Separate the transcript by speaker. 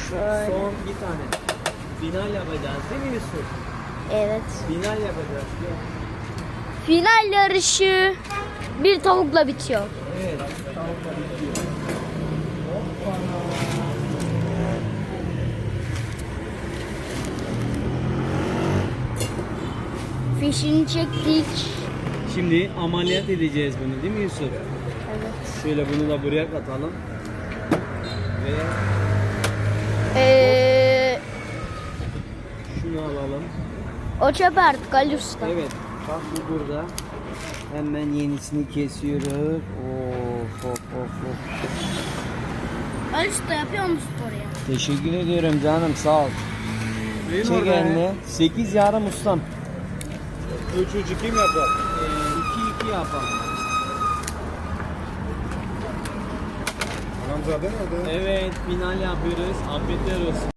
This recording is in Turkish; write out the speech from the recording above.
Speaker 1: Şöyle.
Speaker 2: Son bir tane. Final yapacağız değil mi Yusuf?
Speaker 1: Evet.
Speaker 2: Final yapacağız. Gel.
Speaker 1: Final yarışı bir tavukla bitiyor.
Speaker 2: Evet. Tavukla bitiyor.
Speaker 1: Fişini çektik.
Speaker 2: Şimdi ameliyat edeceğiz bunu değil mi Yusuf?
Speaker 1: Evet.
Speaker 2: Şöyle bunu da buraya katalım. Ve şunu alalım.
Speaker 1: O çöp artık Ali Usta.
Speaker 2: Evet. Bak bu burada. Hemen yenisini kesiyoruz. Of of of of.
Speaker 1: Ali Usta yapıyor musun sporu ya?
Speaker 2: Teşekkür ediyorum canım, sağ ol. Çek elini. 8 yarım ustam.
Speaker 3: 3-3-2 mi yapar?
Speaker 2: 2-2 yapalım.
Speaker 3: Hamzade nerede?
Speaker 2: Evet, final yapıyoruz. Afiyetler olsun.